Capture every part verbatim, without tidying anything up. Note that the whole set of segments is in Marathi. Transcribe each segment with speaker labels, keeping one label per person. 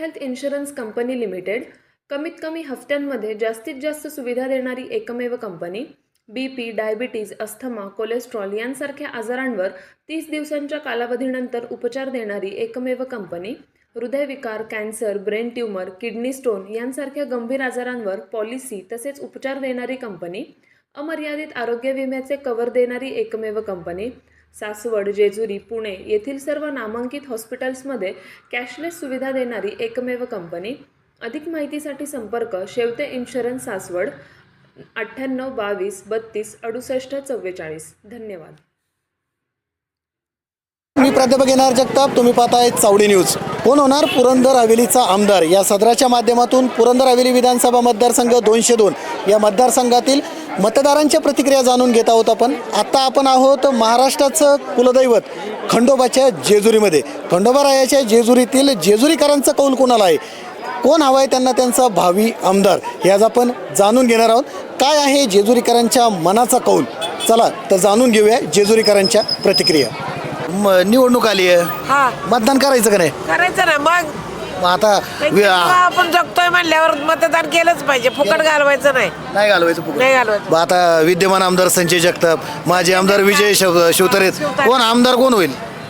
Speaker 1: हेल्थ इन्शुरन्स कंपनी लिमिटेड कमीत कमी हफ्त्यांमध्ये जास्तीत जास्त सुविधा देणारी एकमेव company. B P, diabetes, asthma, cholesterol यांसारख्या आजारांवर तीस दिवसांच्या कालावधीनंतर उपचार देणारी एकमेव कंपनी. हृदयविकार, cancer, brain tumour, kidney stone यांसारख्या गंभीर आजारांवर पॉलिसी तसेच उपचार देणारी कंपनी. अमर्यादित आरोग्य विम्याचे कव्हर देणारी एकमेव कंपनी. सासवड, जेजुरी, पुणे येथील सर्व नामांकित हॉस्पिटल्समध्ये कॅशलेस सुविधा देणारी एकमेव कंपनी. अधिक माहितीसाठी संपर्क शेवते इन्शुरन्स सासवड अठ्ठ्याण्णव बावीस बत्तीस अडुसष्ट चव्वेचाळीस. धन्यवाद.
Speaker 2: मी प्राध्यापक एन आर जगताप. तुम्ही पाहताय चावडी न्यूज. कोण होणार पुरंदर हवेलीचा आमदार या सदराच्या माध्यमातून पुरंदर हवेली विधानसभा मतदारसंघ दोनशे दोन या मतदारसंघातील मतदारांच्या प्रतिक्रिया जाणून घेत आहोत आपण. आता आपण आहोत महाराष्ट्राचं कुलदैवत खंडोबाच्या जेजुरीमध्ये. खंडोबारायाच्या जेजुरीतील जेजुरीकरांचा कौल कोणाला आहे, कोण हवा आहे त्यांना त्यांचा भावी आमदार, हे आज आपण जाणून घेणार आहोत. काय आहे जेजुरीकरांच्या मनाचा कौल, चला तर जाणून घेऊया जेजुरीकरांच्या प्रतिक्रिया. निवडणूक आली आहे,
Speaker 3: हा
Speaker 2: मतदान करायचं का नाही?
Speaker 3: करायचं ना. मग
Speaker 2: मग आता
Speaker 3: आपण जगतोय म्हणल्यावर मतदान केलंच पाहिजे. फुकट घालवायचं नाही.
Speaker 2: नाही घालवायचं फुकट.
Speaker 3: नाही घालवायचं.
Speaker 2: मग आता विद्यमान आमदार संजय जगताप, माजी आमदार विजय शिव शिवतारे, कोण आमदार कोण होईल?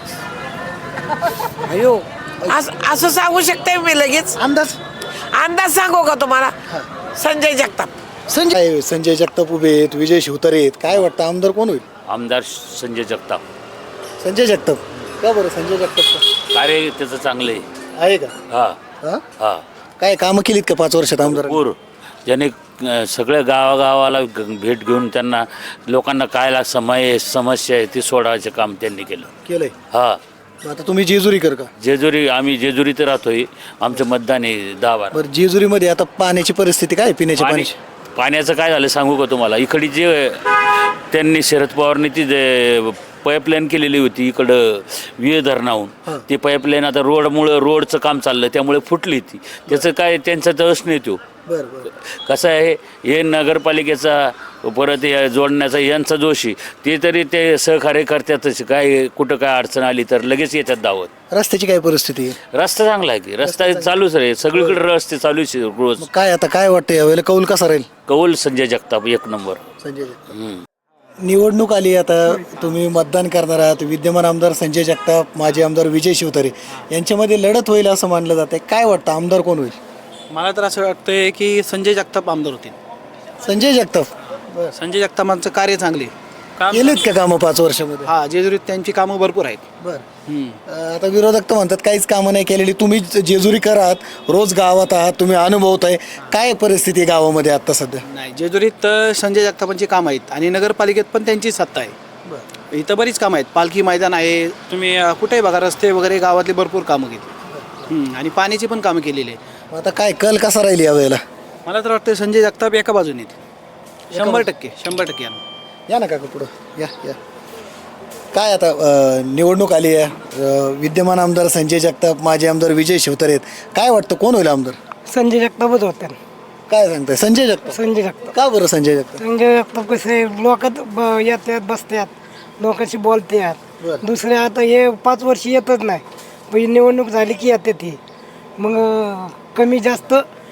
Speaker 3: अयो असं असं सांगू शकते मी लगेच?
Speaker 2: अंदाज
Speaker 3: अंदाज सांगू का तुम्हाला? संजय जगताप.
Speaker 2: संजय संजय जगताप उभे आहेत, विजय शिवतारे आहेत. काय वाटतं आमदार कोण होईल?
Speaker 4: आमदार संजय जगताप.
Speaker 2: संजय जगताप का बरं? संजय जगताप
Speaker 4: कार्य त्याचं चांगलं आहे.
Speaker 2: आहे का?
Speaker 4: हा
Speaker 2: हा
Speaker 4: हा
Speaker 2: काय कामं केलीत का पाच वर्षात आमदार?
Speaker 4: पूर ज्याने अं, सगळ्या गावागावाला ग- भेट घेऊन त्यांना लोकांना काय ला- समय समस्या आहे ती सोडवायचं काम त्यांनी केलं.
Speaker 2: केलंय.
Speaker 4: हा
Speaker 2: आता तुम्ही जेजुरी कर का?
Speaker 4: जेजुरी आम्ही जेजुरीत राहतोय. आमचं मतदान आहे दहा बारा.
Speaker 2: बरं जेजुरीमध्ये आता पाण्याची परिस्थिती काय आहे? पिण्याच्या
Speaker 4: पाणी
Speaker 2: पाण्याची
Speaker 4: पाण्याचं काय झालं सांगू का तुम्हाला? इकडे जे त्यांनी शरद पवारनी ती जे पाईपलाईन केलेली होती इकडं विहे धरणाहून, ती पाईपलाईन आता रोडमुळं रोडचं काम चाललं त्यामुळे फुटली ती. त्याचं काय त्यांचा दस नाही तो.
Speaker 2: बरं बरं
Speaker 4: कसं आहे हे नगरपालिकेचा परत या जोडण्याचा यांचा जोशी ते तरी ते सहकार्य करतातच. काय कुठं काय अडचण आली तर लगेच येतात धावत.
Speaker 2: रस्त्याची काय परिस्थिती आहे?
Speaker 4: रस्ता चांगला आहे की रस्ता चालूच रे सगळीकडे रस्ते चालूच आहे रोज.
Speaker 2: मग काय आता काय वाटतं यावेळेला कौल कसा राहील?
Speaker 4: कौल संजय जगताप एक नंबर.
Speaker 2: संजय जगताप. निवडणूक आली, आता तुम्ही मतदान करणार आहात. विद्यमान आमदार संजय जगताप, माजी आमदार विजय शिवतारे यांच्यामध्ये लढत होईल असं मानलं जाते. काय वाटतं आमदार कोण होईल?
Speaker 5: मला तर असं वाटतंय की संजय जगताप आमदार होतील.
Speaker 2: संजय जगताप.
Speaker 5: संजय जगतापांचं कार्य चांगले काम.
Speaker 2: केलेत का कामं पाच वर्षामध्ये?
Speaker 5: हा जेजुरीत त्यांची कामं भरपूर आहेत.
Speaker 2: बरं.
Speaker 5: हम्म.
Speaker 2: आता विरोधक तर म्हणतात काहीच कामं नाही केलेली. तुम्ही जेजुरीकर आहात, रोज गावात आहात, तुम्ही अनुभवत आहे. काय परिस्थिती आहे गावामध्ये आता सध्या?
Speaker 5: नाही जेजुरीत अ, संजय जगतापांची कामं आहेत आणि नगरपालिकेत पण त्यांची सत्ता आहे. इथं बरीच कामं आहेत. पालखी मैदान आहे. तुम्ही अ, कुठेही बघा रस्ते वगैरे गावातली भरपूर कामं घेतली आणि पाण्याची पण कामं केलेली आहे.
Speaker 2: मग आता काय कल कसा राहील यावेळेला?
Speaker 5: मला तर वाटतं संजय जगताप एका बाजूने आहेत. शंभर टक्के शंभर टक्के या
Speaker 2: या ना काका पुढं या या. काय आता अ, निवडणूक आली आहे. अ, विद्यमान आमदार संजय जगताप, माजी आमदार विजय शिवतारे आहेत. काय वाटतं कोण होईल आमदार?
Speaker 6: संजय जगतापच होते.
Speaker 2: काय सांगताय? संजय जगताप.
Speaker 6: संजय जगताप.
Speaker 2: का बरं संजय जगताप?
Speaker 6: संजय जगताप कसे लोकात ब- येतात बसतात, लोकांशी बोलतात.
Speaker 2: बरं.
Speaker 6: दुसरे आता हे पाच वर्ष येतच नाही, पण ही निवडणूक झाली की येते ती. मग अं, कमी जास्त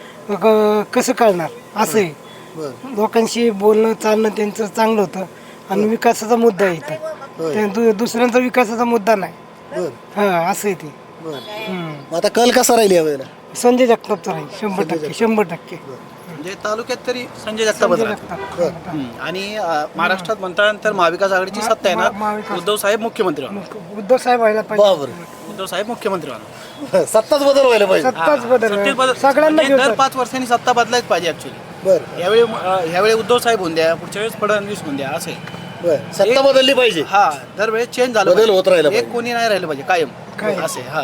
Speaker 6: क- कसं कळणार असं आहे.
Speaker 2: बरं.
Speaker 6: लोकांशी बोलणं चालणं त्यांचं चांगलं होतं आणि विकासाचा मुद्दा आहे इथं. त्या दु दुसऱ्यांचा विकासाचा मुद्दा नाही.
Speaker 2: बरं
Speaker 6: हां असं आहे ते.
Speaker 2: बरं.
Speaker 6: हम्म.
Speaker 2: मग आता कल कसा राहील यावेळेला?
Speaker 6: संजय जगतापचा राहील शंभर टक्के शंभर टक्के
Speaker 5: म्हणजे तालुक्यात तरी संजय जगतापच
Speaker 6: संजय
Speaker 5: राहतील.
Speaker 6: जगताप.
Speaker 5: हम्म. आणि अ, महाराष्ट्रात म्हणतानंतर महाविकास आघाडीची सत्ता आहे
Speaker 6: महा- महाविकास-
Speaker 5: ना. उद्धव साहेब मुख्यमंत्री व्हा.
Speaker 6: उद्धव साहेब व्हायला पाहिजे.
Speaker 2: बाबर.
Speaker 5: उद्धव साहेब मुख्यमंत्री व्हा.
Speaker 2: सत्ताच बदल व्हायला पाहिजे.
Speaker 6: सत्ताच बदल
Speaker 5: सत्तेत बदल-
Speaker 6: सगळ्यांना
Speaker 5: म्हणजे
Speaker 6: घेऊन
Speaker 5: दर
Speaker 6: चाल.
Speaker 5: पाच वर्षांनी सत्ता बदलायच पाहिजे ऍक्च्युली.
Speaker 2: बरं
Speaker 5: यावेळी अ, यावेळी उद्धव साहेब होऊन द्या, पुढच्या वेळेस फडणवीस होऊन द्या असं आहे.
Speaker 2: बरं. सत्ता बदलली पाहिजे.
Speaker 5: हा दरवेळेस चेंज झालं
Speaker 2: बदल
Speaker 5: पाहिजे.
Speaker 2: होत राहिला
Speaker 5: एक
Speaker 2: पाहिजे.
Speaker 5: कोणी नाही राहिलं पाहिजे कायम
Speaker 6: कायम.
Speaker 5: असे हा.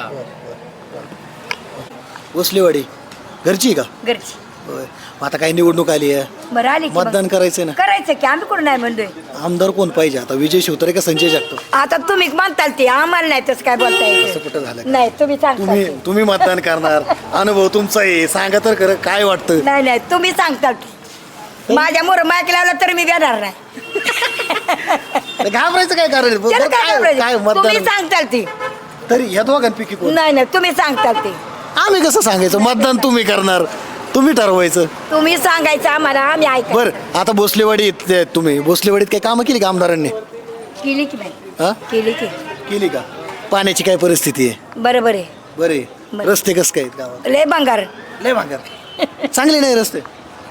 Speaker 2: उसलेवाडी घरची का?
Speaker 7: घरची.
Speaker 2: होय. मग आता काही निवडणूक आली आहे,
Speaker 7: बरं आली की मग.
Speaker 2: मतदान करायचं ना.
Speaker 7: करायचं की आम्ही कुठं नाही म्हणतोय.
Speaker 2: आमदार कोण पाहिजे आता? विजय शिवतारे का संजय जगताप?
Speaker 7: आता तुम्ही म्हणताल ते आम्हाला नाही तसं काय बोलता
Speaker 2: असं
Speaker 7: येतं.
Speaker 2: कुठं झालं?
Speaker 7: नाही तुम्ही सांगता
Speaker 2: तुम्ही
Speaker 7: ते.
Speaker 2: तुम्ही मतदान करणार, अनुभव तुमचा आहे, सांगा तर खरं काय वाटतं?
Speaker 7: नाही नाही तुम्ही सांगता ते. माझ्या मोर मायक लावला तर मी देणार नाही.
Speaker 2: घाबरायचं काय कारण आहे?
Speaker 7: त्याला
Speaker 2: बरं,
Speaker 7: काय
Speaker 2: काय काय
Speaker 7: घाबरायचं? तुम्ही
Speaker 2: मतदान
Speaker 7: सांगताल ती.
Speaker 2: तरी या दोघांपैकी कोण?
Speaker 7: नाही नाही तुम्ही सांगताल ते.
Speaker 2: आम्ही कसं सांगायचं मतदान तुम्ही करणार तुम्ही ठरवायचं.
Speaker 7: तुम्ही सांगायचं आम्हाला आम्ही ऐकायचं.
Speaker 2: बरं आता भोसलेवाडीत ते तुम्ही भोसलेवाडीत काही कामं केली का आमदारांनी?
Speaker 7: केली की बाई
Speaker 2: हा
Speaker 7: केली की
Speaker 2: केली का? पाण्याची काय परिस्थिती आहे?
Speaker 7: बरोबर आहे.
Speaker 2: बरे
Speaker 7: बरं.
Speaker 2: रस्ते कसं काय आहेत गावात?
Speaker 7: लय भंगार.
Speaker 2: लय भांगार चांगले नाही रस्ते.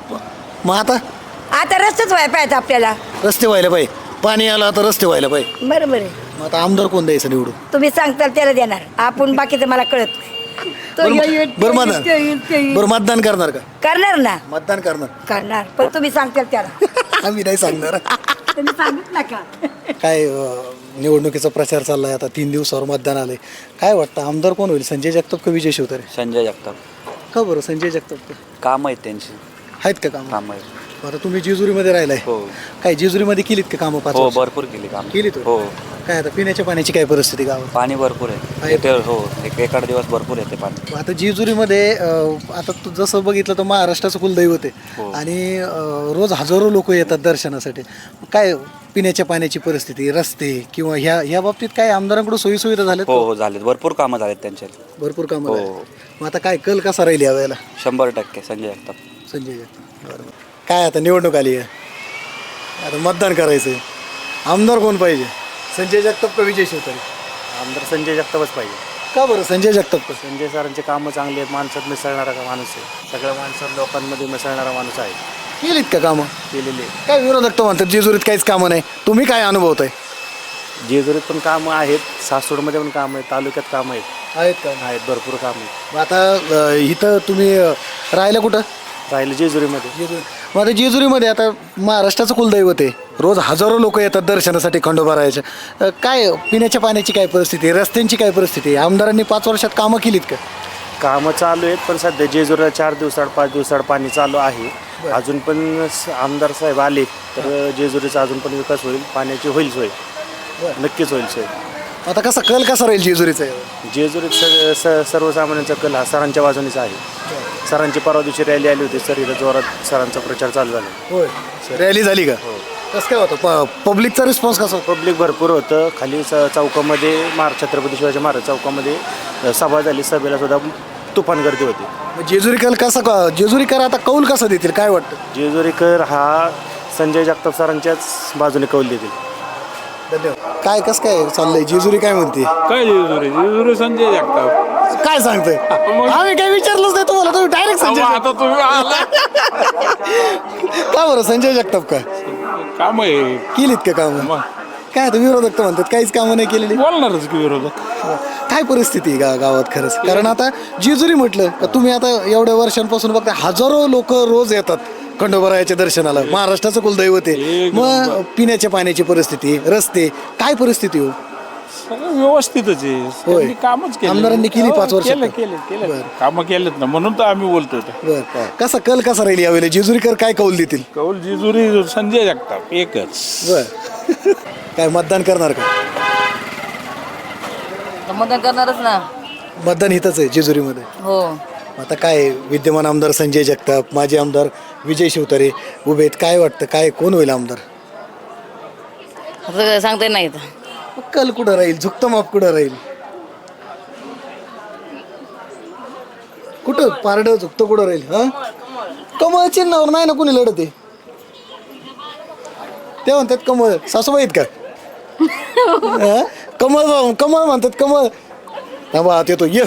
Speaker 2: मग आता
Speaker 7: आता रस्तेच व्हायला पाहिजे आपल्याला.
Speaker 2: रस्ते व्हायला पाहिजे, पाणी आलं आता रस्ते व्हायला पाहिजे.
Speaker 7: बरोबर आहे.
Speaker 2: मग आता आमदार कोण द्यायचं निवडून?
Speaker 7: तुम्ही सांगताल त्याला देणार. आपण बाकीचं मला कळत नाही. तो
Speaker 2: बरं
Speaker 7: येईल,
Speaker 2: बरं
Speaker 7: तो येईल,
Speaker 2: मतदान
Speaker 7: तो येईल, तो येईल.
Speaker 2: बरं मतदान करणार का?
Speaker 7: करणार ना
Speaker 2: मतदान करणार
Speaker 7: करणार पण तुम्ही सांगताल त्याला.
Speaker 2: आम्ही नाही सांगणार.
Speaker 7: तुम्ही सांगित नका.
Speaker 2: काय अं, निवडणुकीचा प्रचार चाललाय आता तीन दिवसावर मतदान आलंय. काय वाटतं आमदार कोण होईल, संजय जगताप का विजय शिवतारे?
Speaker 8: संजय जगताप.
Speaker 2: का बरं संजय जगताप?
Speaker 8: काम आहेत त्यांची.
Speaker 2: आहेत का काम?
Speaker 8: काम आहेत.
Speaker 2: आता तुम्ही जेजुरीमध्ये राहिलाय.
Speaker 8: हो.
Speaker 2: काय जेजुरीमध्ये केलीत का कामं? पाच
Speaker 8: हो
Speaker 2: वर्ष?
Speaker 8: भरपूर केली काम.
Speaker 2: केलीत होय?
Speaker 8: हो.
Speaker 2: काय आता पिण्याच्या पाण्याची काय परिस्थिती गावात?
Speaker 8: पाणी भरपूर आहे
Speaker 2: आहे.
Speaker 8: येते. हो एक एकाड दिवस भरपूर येते पाणी.
Speaker 2: आता जेजुरीमध्ये अं, आता तू जसं बघितलं तर महाराष्ट्राचं कुलदैवत आहे
Speaker 8: हो.
Speaker 2: आणि अं, रोज हजारो लोक येतात दर्शनासाठी. काय पिण्याच्या पाण्याची परिस्थिती, रस्ते किंवा ह्या ह्या बाबतीत काय आमदारांकडून सोयीसुविधा झाल्यात?
Speaker 8: हो हो झालेत भरपूर कामं झालेत त्यांच्या.
Speaker 2: भरपूर कामं
Speaker 8: हो.
Speaker 2: झाली. मग आता काय कल कसा राहील यावेळेला?
Speaker 8: शंभर टक्के संजय जगताप.
Speaker 2: संजय जगताप. बरोबर. काय आता निवडणूक आली आहे, आता मतदान करायचं आहे. आमदार कोण पाहिजे, संजय जगताप का विजय शिवतारे?
Speaker 9: आमदार संजय जगतापच पाहिजे.
Speaker 2: का बरं संजय जगताप का?
Speaker 9: संजय सरांचे कामं चांगली आहेत. माणसात मिसळणारा का माणूस आहे. सगळ्या माणसात लोकांमध्ये मिसळणारा माणूस आहे.
Speaker 2: केलीत का कामं?
Speaker 9: केलेले
Speaker 2: काय विरोधक तर म्हणतात जेजुरीत काहीच कामं नाही. तुम्ही काय अनुभवताय?
Speaker 9: जेजुरीत पण कामं आहेत, सासवडमध्ये पण कामं आहेत, तालुक्यात कामं आहेत.
Speaker 2: आहेत का?
Speaker 9: आहेत भरपूर कामं आहेत.
Speaker 2: मग आता अं, इथं तुम्ही अं, राहिलं कुठं?
Speaker 9: राहिलं जेजुरीमध्ये.
Speaker 2: जेजुरी. मग आता जेजुरीमध्ये आता महाराष्ट्राचं कुलदैवत आहे, रोज हजारो लोक येतात दर्शनासाठी खंडोबा राहायच्या. अं, काय पिण्याच्या पाण्याची काय परिस्थिती आहे, रस्त्यांची काय परिस्थिती आहे? आमदारांनी पाच वर्षात कामं केलीत का?
Speaker 9: कामं चालू आहेत पण सध्या जेजुरीला चार दिवसाड पाच दिवसाड पाणी चालू आहे. अजून पण स- आमदार साहेब आले तर जेजुरीचा अजून पण विकास होईल. पाण्याची होईल सोय, नक्कीच होईल सोय.
Speaker 2: आता कसा कल कसा राहील जेजुरीचा?
Speaker 9: जेजुरीत स स सर्वसामान्यांचा कल हा सरांच्या बाजूनेच आहे. सरांची परवा दिवशी रॅली आली होती. सर इथं जोरात सरांचा प्रचार चालू झाला.
Speaker 2: होय. रॅली झाली का? कसं काय होतं प पब्लिकचा रिस्पॉन्स कसा होता?
Speaker 9: पब्लिक भरपूर होतं. खाली स चौकामध्ये महाराज छत्रपती शिवाजी महाराज चौकामध्ये अ, सभा झाली. सभेला सुद्धा तुफान गर्दी होती.
Speaker 2: मग जेजुरीकर कसा क- जेजुरीकर आता कौल कसा देतील काय वाटतं?
Speaker 9: जेजुरीकर हा संजय जगताप सरांच्याच बाजूने कौल देतील.
Speaker 2: धन्यवाद. काय कसं काय चाललंय, जेजुरी काय म्हणते?
Speaker 10: काय जेजुरी जेजुरी संजय जगताप.
Speaker 2: काय सांगतोय? आम्ही काही विचारलंच नाही तुम्हाला, तुम्ही डायरेक्ट संजय
Speaker 10: अहो, आता तुम्ही आला.
Speaker 2: जगताप. का बरं संजय जगताप का?
Speaker 10: काम आहे.
Speaker 2: केलीत का कामं?
Speaker 10: मग.
Speaker 2: काय आता विरोधक तर म्हणतात काहीच कामं नाही केलेली.
Speaker 10: बोलणारच की विरोधक.
Speaker 2: काय परिस्थिती आहे गा गावात खरंच? कारण आता जेजुरी म्हटलं का तुम्ही आता एवढ्या वर्षांपासून बघता हजारो लोक रोज येतात खंडोबारायाच्या दर्शनाला. महाराष्ट्राचं कुलदैवत आहे.
Speaker 10: एक
Speaker 2: मग पिण्याच्या पाण्याची परिस्थिती, रस्ते, काय परिस्थिती हो?
Speaker 10: सगळं व्यवस्थितच आहे.
Speaker 2: होय.
Speaker 10: त्यांनी कामच केलं.
Speaker 2: आमदारांनी केली पाच वर्षात.
Speaker 10: केलं केलं केलं कामं केलेत ना, म्हणून तर आम्ही बोलतोय.
Speaker 2: बर कसा कल कसा राहील यावेळेला? जेजुरीकर काय कौल देतील?
Speaker 10: कौल जेजुरी संजय जगताप एकच.
Speaker 2: बर काय मतदान करणार का?
Speaker 11: मतदान करणारच ना.
Speaker 2: मतदान इथंच आहे जेजुरीमध्ये.
Speaker 11: हो.
Speaker 2: आता काय विद्यमान आमदार संजय जगताप, माजी आमदार विजय शिवतारे उभे आहेत. काय वाटतं काय कोण होईल आमदार?
Speaker 11: आता सांगता येत नाही.
Speaker 2: मग कल कुठं राहील, झुकतं माप कुठं राहील? कुठं पारडं झुकतं कुठं राहील? हा कमळ चिन्हावर नाही ना कुणी लढत आहे. ते म्हणतात कमळ. सासूबाई आहेत का? हा? कमळ भाऊ, कमळ म्हणतात कमळ. थांबा येतो ये.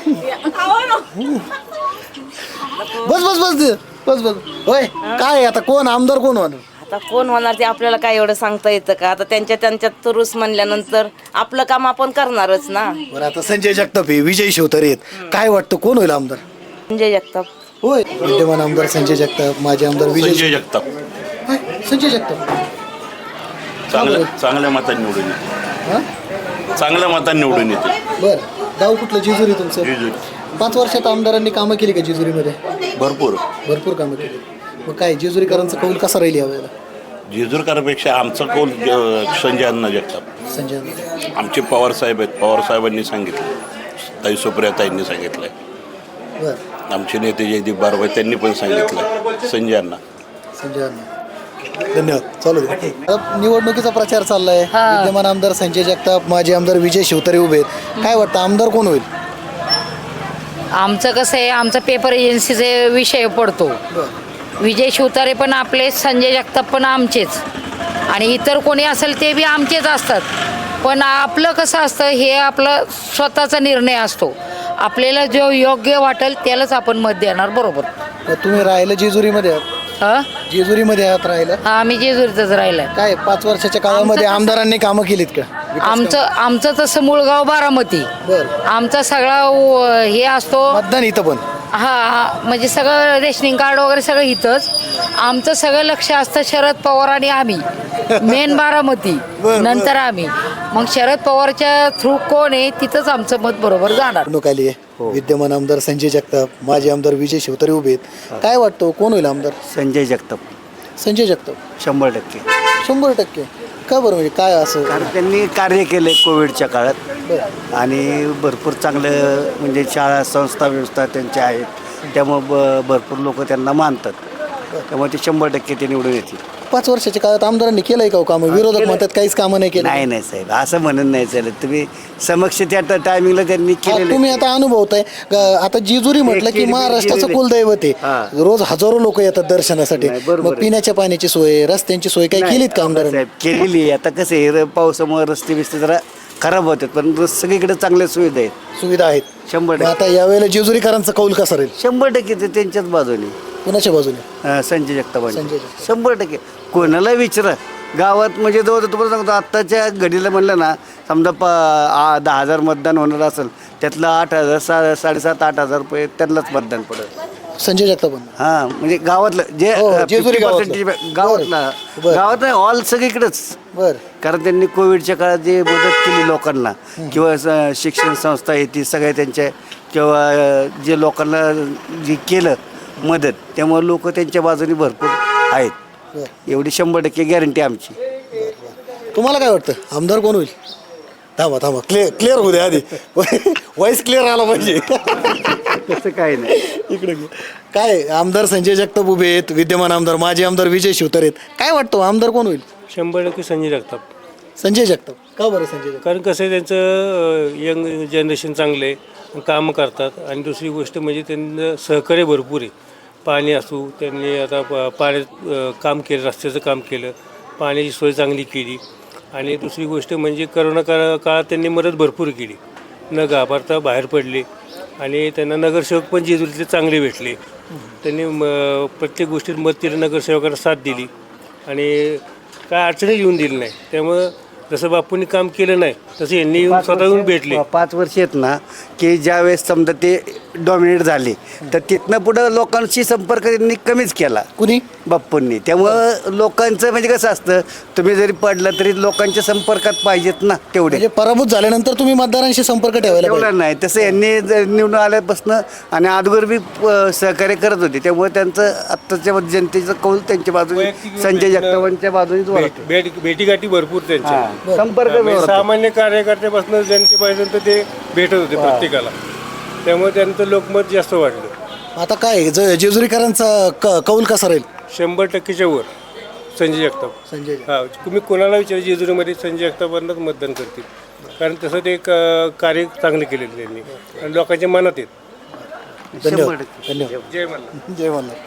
Speaker 2: बस बस बस बस बस होय. काय आता कोण आमदार कोण होणार?
Speaker 11: आता कोण होणार ते आपल्याला काय एवढं सांगता येतं का? आता त्यांच्या त्यांच्यात तुरुस म्हणल्यानंतर आपलं काम आपण करणारच ना.
Speaker 2: बरं आता संजय जगताप आहे, विजय शिवतारे आहेत. काय वाटतं कोण होईल आमदार?
Speaker 11: संजय जगताप.
Speaker 2: होय. विद्यमान आमदार संजय जगताप, माजी आमदार विजय
Speaker 4: संजय जगताप
Speaker 2: हाय, संजय जगताप.
Speaker 4: चांगल्या चांगल्या मतांनी निवडून येते.
Speaker 2: हा
Speaker 4: चांगल्या मतांनी निवडून येते.
Speaker 2: बरं गाव कुठलं? जेजुरी तुमचं?
Speaker 4: जेजुरी.
Speaker 2: पाच वर्षात आमदारांनी कामं केली का जेजुरीमध्ये?
Speaker 4: भरपूर
Speaker 2: भरपूर कामं केली. मग काय जेजुरीकरांचा कौल कसा राहील यावेळेला?
Speaker 4: जेजुरकरांपेक्षा आमचा कौल अ, संजय अण्णा जगताप.
Speaker 2: संजय
Speaker 4: आमचे पवार साहेब आहेत. पवार साहेबांनी सांगितलं, ताई सुप्रिया ताईंनी सांगितलंय,
Speaker 2: बरं
Speaker 4: आमचे नेते जयदीप बारबाई त्यांनी पण सांगितलं संजय अण्णा.
Speaker 2: संजय धन्यवाद. चालू दे. आता निवडणुकीचा प्रचार चाललाय. विद्यमान आमदार संजय जगताप, माजी आमदार विजय शिवतारे उभे आहेत. काय वाटतं आमदार कोण होईल?
Speaker 12: आमचं कसं आहे, आमचा पेपर एजन्सीचे विषय पडतो. विजय शिवतारे पण आपले, संजय जगताप पण आमचेच, आणि इतर कोणी असेल ते बी आमचेच असतात. पण आपलं कसं असतं, हे आपलं स्वतःचा निर्णय असतो. आपल्याला जो योग्य वाटेल त्यालाच आपण मत देणार. बरोबर.
Speaker 2: मग तुम्ही राहिलं जेजुरीमध्ये आहात?
Speaker 12: हां
Speaker 2: जेजुरीमध्ये आहात राहिलं?
Speaker 12: हां आम्ही जेजुरीतच राहिलं.
Speaker 2: काय पाच वर्षाच्या काळामध्ये आमदारांनी कामं केलीत का?
Speaker 12: आमचं आमचं तसं मूळगाव बारामती.
Speaker 2: बरं.
Speaker 12: आमचा सगळा व- हे असतो.
Speaker 2: मतदान इथं पण?
Speaker 12: हा म्हणजे सगळं रेशनिंग कार्ड वगैरे सगळं इथंच. आमचं सगळं लक्ष असतं शरद पवार आणि आम्ही, मेन बारामती, नंतर आम्ही. मग शरद पवारच्या थ्रू कोण आहे तिथंच आमचं मत बरोबर जाणार.
Speaker 2: निवडणूक आली आहे. विद्यमान आमदार संजय जगताप, माजी आमदार विजय शिवतारे उभे आहेत. काय वाटतं कोण होईल आमदार?
Speaker 5: संजय जगताप
Speaker 2: संजय जगताप.
Speaker 5: शंभर टक्के.
Speaker 2: शंभर टक्के का बरं? म्हणजे काय असं?
Speaker 5: कारण त्यांनी कार्य केले कोविडच्या काळात आणि भरपूर चांगलं म्हणजे शाळा संस्था व्यवस्था त्यांच्या आहेत, त्यामुळं ब भरपूर लोक त्यांना मानतात, त्यामुळे ते शंभर टक्के ते निवडून येतील.
Speaker 2: पाच वर्षाच्या काळात आमदारांनी केलंय का कामं? विरोधक म्हणतात काहीच कामं नाही केलं.
Speaker 5: नाही नाही साहेब, असं म्हणून नाही चालत. तुम्ही समक्ष त्या टायमिंगला त्यांनी
Speaker 2: हा,
Speaker 5: केलेलं
Speaker 2: तुम्ही आता अनुभवताय. ग- आता जेजुरी म्हटलं की महाराष्ट्राचं कुलदैवत आहे. रोज हजारो लोक येतात दर्शनासाठी. मग पिण्याच्या पाण्याची सोय, रस्त्यांची सोय काही केलीत का आमदारांनी?
Speaker 5: साहेब केलेली आहे. आता कसं आहे, पावसामुळे रस्ते बिस्ते जरा खराब होतात, पण रस- सगळीकडे चांगल्या सुविधा आहेत.
Speaker 2: सुविधा आहेत
Speaker 5: शंभर
Speaker 2: मग
Speaker 5: टक्के.
Speaker 2: आता यावेळेला जेजुरीकरांचा कौल कसा राहील?
Speaker 5: शंभर टक्के ते त्यांच्याच बाजूने.
Speaker 2: कुणाच्या बाजूने?
Speaker 5: अं, संजय जगतापांचे.
Speaker 2: संजय जगताप.
Speaker 5: शंभर टक्के. कोणाला विचारा गावात, म्हणजे जवळ तुम्हाला सांगतो आत्ताच्या घडीला म्हणलं ना, समजा प आ- दहा हजार मतदान होणार असेल, त्यातलं आठ हजार सा साडेसात आठ हजार रुपये त्यांनाच मतदान पडेल.
Speaker 2: संजय जगताप.
Speaker 5: हां म्हणजे गावातलं जे
Speaker 2: हो,
Speaker 5: अं,
Speaker 2: जेजुरी
Speaker 5: fifty
Speaker 2: गावातलं.
Speaker 5: percentage गावातला
Speaker 2: बरं.
Speaker 5: गावात नाही, ऑल सगळीकडेच.
Speaker 2: बर.
Speaker 5: कारण त्यांनी कोविडच्या काळात जे मदत केली लोकांना, किंवा स- शिक्षण संस्था आहे ती सगळ्या त्यांच्या, किंवा अं, जे लोकांना जे केलं मदत, त्यामुळे लोक त्यांच्या बाजूने भरपूर आहेत. एवढी शंभर टक्के गॅरंटी आमची.
Speaker 2: तुम्हाला काय वाटतं आमदार कोण होईल? थांबा थांबा, क्लिअर क्लिअर होऊ द्या आधी. वॉइस क्लिअर आला पाहिजे.
Speaker 5: तसं काही नाही.
Speaker 2: इकडे घे. काय आमदार संजय जगताप उभे आहेत, विद्यमान आमदार माजी आमदार विजय शिवतारे आहेत. काय वाटतं आमदार कोण होईल?
Speaker 9: शंभर टक्के संजय जगताप.
Speaker 2: संजय जगताप. का बरं संजय जगताप?
Speaker 9: कारण कसं आहे, त्यांचं यंग जनरेशन चांगलं आहे, कामं करतात, आणि दुसरी गोष्ट म्हणजे त्यांचं सहकार्य भरपूर आहे. पाणी असू, त्यांनी आता प पाण्यात अ, काम केलं, रस्त्याचं काम केलं, पाण्याची सोय चांगली केली, आणि दुसरी गोष्ट म्हणजे करोना काळा काळात त्यांनी मदत भरपूर केली, न घाबरता बाहेर पडले, आणि त्यांना नगरसेवक पण जेजुरीतले चांगले भेटले. त्यांनी म प्रत्येक गोष्टीत मत दिलं, नगरसेवकांना साथ दिली, आणि काय अडचणी येऊन दिली नाही. त्यामुळं जसं बापूंनी काम केलं नाही तसं यांनी येऊन स्वतः येऊन भेटले.
Speaker 5: पाच वर्ष आहेत ना, की ज्यावेळेस समजा ते डॉमिनेट झाले, तर तिथनं पुढं लोकांशी संपर्क त्यांनी कमीच केला.
Speaker 2: कुणी?
Speaker 5: बाप्पूंनी. त्यामुळं लोकांचं म्हणजे कसं असतं, तुम्ही जरी पडलं तरी लोकांच्या संपर्कात पाहिजेत ना तेवढे.
Speaker 2: म्हणजे पराभूत झाल्यानंतर तुम्ही मतदारांशी संपर्क ठेवायला पाहिजे.
Speaker 5: ठेवलं नाही तसं यांनी जर निवडून आल्यापासून आणि अगोदर बी अ, सहकार्य करत होते, त्यामुळे त्यांचं आत्ताच्या जनतेचं कौल त्यांच्या बाजूने, संजय जगतापांच्या बाजूनेच वाढतो.
Speaker 9: भेट भेटीगाठी भरपूर त्यांच्या,
Speaker 5: संपर्क
Speaker 9: म्हणजे सामान्य कार्यकर्त्यापासून जनतेपर्यंत ते भेटत होते प्रत्येकाला, त्यामुळे त्यांचं लोकमत जास्त वाढलं.
Speaker 2: आता काय ज- जेजुरीकरांचा क- कौल कसा राहील?
Speaker 9: शंभर टक्केच्या वर संजय जगताप.
Speaker 2: संजय
Speaker 9: हा, तुम्ही कोणाला विचार जेजुरीमध्ये संजय जगतापांनाच मतदान करतील, कारण तसं ते क- कार्य चांगले केलेलं त्यांनी, आणि लोकांच्या मनात येत.
Speaker 2: धन्यवाद. धन्यवाद.
Speaker 9: जय मल्हार.
Speaker 2: जय मल्हार.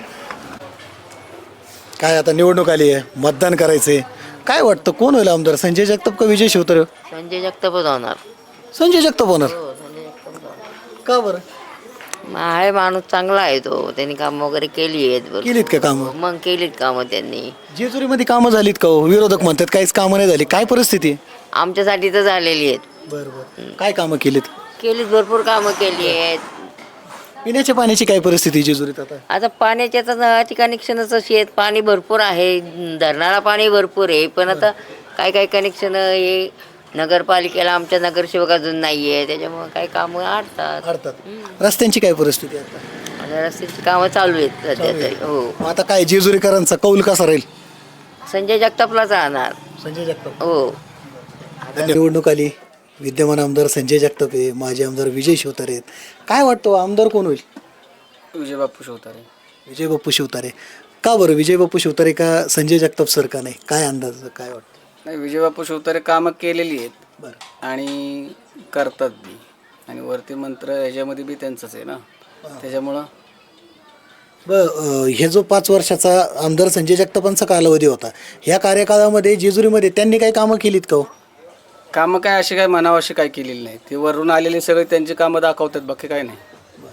Speaker 2: काय आता निवडणूक आली आहे, मतदान करायचंय. काय वाटतं कोण होईल आमदार, संजय जगताप का विजय शिवतारे?
Speaker 11: संजय जगतापच होणार.
Speaker 2: संजय जगताप होणार. का बरं?
Speaker 11: आहे माणूस चांगला आहे तो, त्यांनी काम वगैरे केली आहेत बरं.
Speaker 2: केलीत का कामं?
Speaker 11: मग केलीत कामं त्यांनी.
Speaker 2: जेजुरीमध्ये कामं झालीत का हो? विरोधक म्हणतात काहीच कामं नाही झाली. काय परिस्थिती आहे?
Speaker 11: आमच्यासाठी तर झालेली आहेत.
Speaker 2: बरं बरं. काय कामं केलीत?
Speaker 11: केलीत, भरपूर कामं केली आहेत.
Speaker 2: पिण्याच्या पाण्याची काय परिस्थिती आहे जेजुरीत आता?
Speaker 11: आता पाण्याच्या तर नळाची कनेक्शनच अशी आहेत, पाणी भरपूर आहे, धरणाला पाणी भरपूर आहे, पण आता काय काय कनेक्शन हे नगरपालिकेला आमच्या नगरसेवक अजून नाही आहे, त्याच्यामुळे काही कामं अडतात.
Speaker 2: अडतात. रस्त्यांची काय परिस्थिती आहे आता?
Speaker 11: आता रस्त्याची कामं चालू आहेत सध्या तरी. हो.
Speaker 2: मग आता काय जेजुरीकरांचा कौल कसा राहील?
Speaker 11: संजय जगतापलाच राहणार.
Speaker 2: संजय जगताप.
Speaker 11: हो.
Speaker 2: निवडणूक आली, विद्यमान आमदार संजय जगताप आहे, माजी आमदार विजय शिवतारे आहेत. काय वाटतं आमदार कोण होईल?
Speaker 8: विजय बापू शिवतारे.
Speaker 2: विजय बापू शिवतारे. का बरं विजय बापू शिवतारे का संजय जगताप सर का नाही? काय अंदाज, काय वाटतं?
Speaker 8: नाही, विजय बापू शिवतारे कामं केलेली आहेत.
Speaker 2: बरं.
Speaker 8: आणि करतात बी, आणि वरती मंत्र ह्याच्यामध्ये बी त्यांचंच आहे ना. त्याच्यामुळं
Speaker 2: ब अ, हे जो पाच वर्षाचा आमदार संजय जगतापांचा कालावधी होता ह्या कार्यकाळामध्ये जेजुरीमध्ये त्यांनी काही कामं केलीत का हो?
Speaker 8: कामं काय अशी काय मनावं अशी काय केलेली नाही ते वरून आलेले सगळे त्यांची कामं दाखवतात बाकी काय नाही.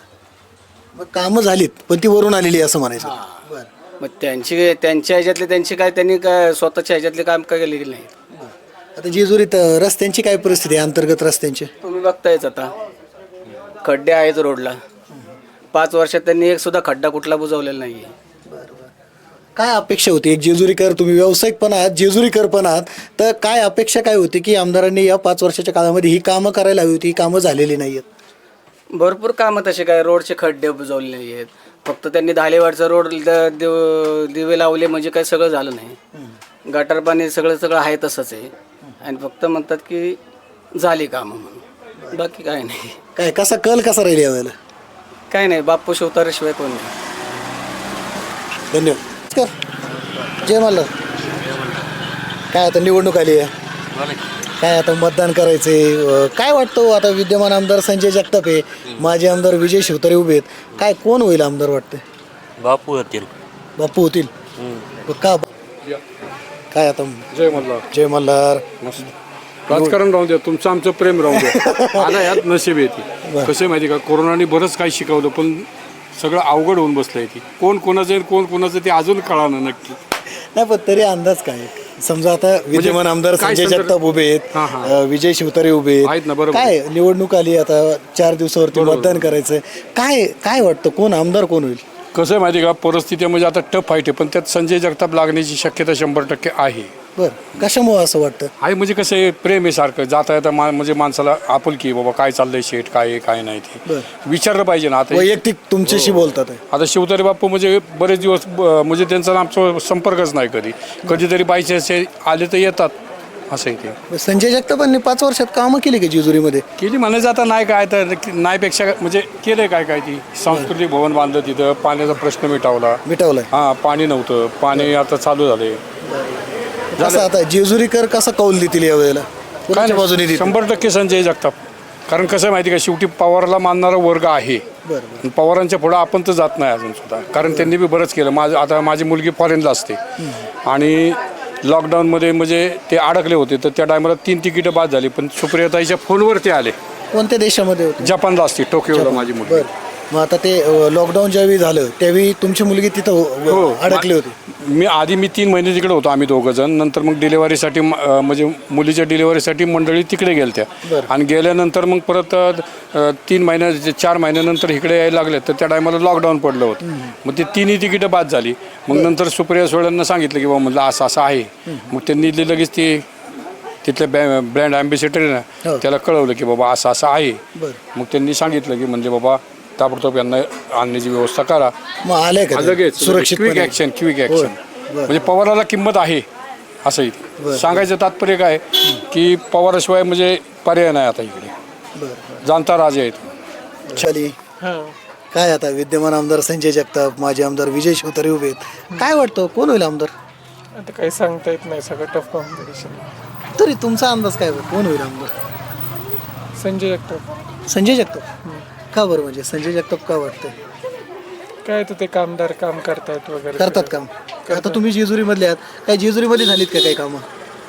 Speaker 2: मग कामं झालीत पण ती वरून आलेली आहे असं म्हणायचं. बरं.
Speaker 8: मग त्यांची त्यांच्या ह्याच्यातले त्यांची काय त्यांनी काय स्वतःच्या ह्याच्यातले काम काय केलेली नाही.
Speaker 2: आता जेजुरीत अ, रस्त्यांची काय परिस्थिती आहे अंतर्गत रस्त्यांची?
Speaker 8: तुम्ही बघतायच आता खड्डे आहेत रोडला. पाच वर्षात त्यांनी एक सुद्धा खड्डा कुठला बुजवलेला नाही.
Speaker 2: काय अपेक्षा होती एक जेजुरीकर तुम्ही व्यावसायिक पण आहात जेजुरीकर पण आहात तर काय अपेक्षा काय होती की आमदारांनी या पाच वर्षाच्या काळामध्ये ही कामं करायला हवी होती ही कामं झालेली नाही आहेत?
Speaker 8: भरपूर कामं तसे काय रोडचे खड्डे बुजवले नाही आहेत. फक्त त्यांनी धालेवाडचा रोड द- दिव- दिवे लावले म्हणजे काय सगळं झालं नाही. गटार पाणी सगळं सगळं आहे तसंच आहे आणि फक्त म्हणतात की झाली कामं म्हणून बाकी काय नाही.
Speaker 2: काय कसा कल कसा राहील यावेळेला?
Speaker 8: काय नाही बाप्पू शिवतारेशिवाय कोण नाही.
Speaker 2: धन्यवाद. नमस्कार. जय मल्हार. काय आता निवडणूक आली आहे काय आता मतदान करायचंय काय वाटतं आता विद्यमान आमदार संजय जगताप आहे माजी आमदार विजय शिवतारे उभे आहेत काय कोण होईल आमदार वाटते?
Speaker 9: बापू होतील.
Speaker 2: बापू होतील. पण का काय आता
Speaker 10: जय मल्हार.
Speaker 2: जय मल्हार.
Speaker 10: राजकारण राहू द्या तुमचं आमचं प्रेम राहू द्या. आता यात नशीब येते कसं माहिती का कोरोनाने बरंच काही शिकवलं पण सगळं अवघड होऊन बसलं आहे. ती कोण कोणाचं आहे कोण कोणाचं ते अजून कळालं नक्की
Speaker 2: नाही पण तरी अंदाज काय समजा आता विद्यमान आमदार
Speaker 10: काय
Speaker 2: संजय
Speaker 10: संदर्भ-
Speaker 2: जगताप उभे आहेत
Speaker 10: हां, हां.
Speaker 2: अ, विजय शिवतारे उभे
Speaker 10: आहेत ना, बरोबर.
Speaker 2: काय निवडणूक आली आता चार दिवसावरती मतदान करायचंय काय काय वाटतं कोण आमदार कोण होईल?
Speaker 10: कसं आहे माहिती का परिस्थिती म्हणजे आता टफ फाईट आहे पण त्यात संजय जगताप लागण्याची शक्यता शंभर टक्के आहे.
Speaker 2: बरं कशामुळे असं वाटतं?
Speaker 10: आहे म्हणजे कसं आहे प्रेम आहे सारखं जाता येता मा म्हणजे माणसाला आपुलकी आहे बाबा काय चाललंय शेट काय आहे काय नाही ते विचारलं पाहिजे ना. आता
Speaker 2: वैयक्तिक तुमच्याशी बोलतात आहे.
Speaker 10: आता शिवतारे बाप्पू म्हणजे बरेच दिवस ब- म्हणजे त्यांचा आमचा संपर्कच नाही कधी कधीतरी बायचे असे आले तर येतात असं आहे ते.
Speaker 2: संजय जगतापांनी पाच वर्षात कामं केली का जेजुरीमध्ये?
Speaker 10: केली म्हणायचं आता नाही काय तर नाहीपेक्षा म्हणजे केलंय काय काय ती सांस्कृतिक भवन बांधलं तिथं पाण्याचा प्रश्न मिटावला.
Speaker 2: मिटवलंय.
Speaker 10: हां पाणी नव्हतं पाणी आता चालू झाले.
Speaker 2: कसं आता जेजुरीकर कसा कौल देतील यावेळेला
Speaker 10: काय
Speaker 2: कोणाच्या बाजूने
Speaker 10: नाही,
Speaker 2: देतील?
Speaker 10: शंभर टक्के संजय जगताप कारण कसं आहे माहिती का शेवटी पवारला मानणारा वर्ग आहे.
Speaker 2: बरं
Speaker 10: आणि पवारांच्या पुढं आपण तर जात नाही अजून सुद्धा कारण त्यांनी बी बरंच केलं. माझं आता माझी मुलगी फॉरेनला असते आणि लॉकडाऊनमध्ये म्हणजे ते अडकले होते तर त्या टायमाला तीन तिकीटं बाद झाली पण सुप्रियाताईच्या फोनवर ते आले.
Speaker 2: कोणत्या देशामध्ये होते?
Speaker 10: जपानला असते टोकियोला माझी मुलगी.
Speaker 2: बरं मग आता ते लॉकडाऊन ज्यावेळी झालं त्यावेळी तुमची मुलगी तिथं
Speaker 10: हो.
Speaker 2: अ, अडकली होती.
Speaker 10: मी आधी मी तीन महिने तिकडे होतो आम्ही दोघं जण नंतर मग डिलेवरीसाठी म्हणजे मुलीच्या डिलेवरीसाठी मंडळी तिकडे गेल्या
Speaker 2: बरं.
Speaker 10: आणि गेल्यानंतर मग परत अ, तीन महिन्या चार महिन्यानंतर इकडे यायला लागले तर त्या टायमाला लॉकडाऊन पडलं होतं. मग ते तिन्ही तिकीटं बाद झाली. मग नंतर सुप्रिया सोळ्यांना सांगितलं की बाबा म्हटलं असं असं आहे. मग त्यांनी ते लगेच ते तिथले बॅ ब्रँड ॲम्बेसेडर आहे ना
Speaker 2: हो.
Speaker 10: त्याला कळवलं की बाबा असं असं आहे.
Speaker 2: बरं
Speaker 10: मग त्यांनी सांगितलं की म्हणजे बाबा ताबडतोब यांना आणण्याची व्यवस्था करा.
Speaker 2: मग आले का ते?
Speaker 10: लगेच
Speaker 2: सुरक्षित
Speaker 10: क्विक ॲक्शन क्विक ॲक्शन
Speaker 2: बरं.
Speaker 10: म्हणजे पवाराला किंमत आहे असं इथे सांगायचं तात्पर्य काय की पवाराशिवाय म्हणजे पर्याय नाही आता इकडे
Speaker 2: बरं
Speaker 10: जाणता राजे आहेत.
Speaker 2: चली काय आता विद्यमान आमदार संजय जगताप माजी आमदार विजय शिवतारे उभे आहेत काय वाटतं कोण होईल आमदार?
Speaker 6: आता काही सांगता येत नाही सगळं टफ कॉम्पिटिशन.
Speaker 2: तरी तुमचा अंदाज काय कोण होईल आमदार?
Speaker 6: संजय जगताप.
Speaker 2: संजय जगताप का बरं म्हणजे संजय जगताप का वाटतंय?
Speaker 6: काय तर ते कामदार काम करतायत वगैरे
Speaker 2: करतात काम आता तुम्ही जेजुरीमधले आहात काय जेजुरीमध्ये झालीत का काही कामं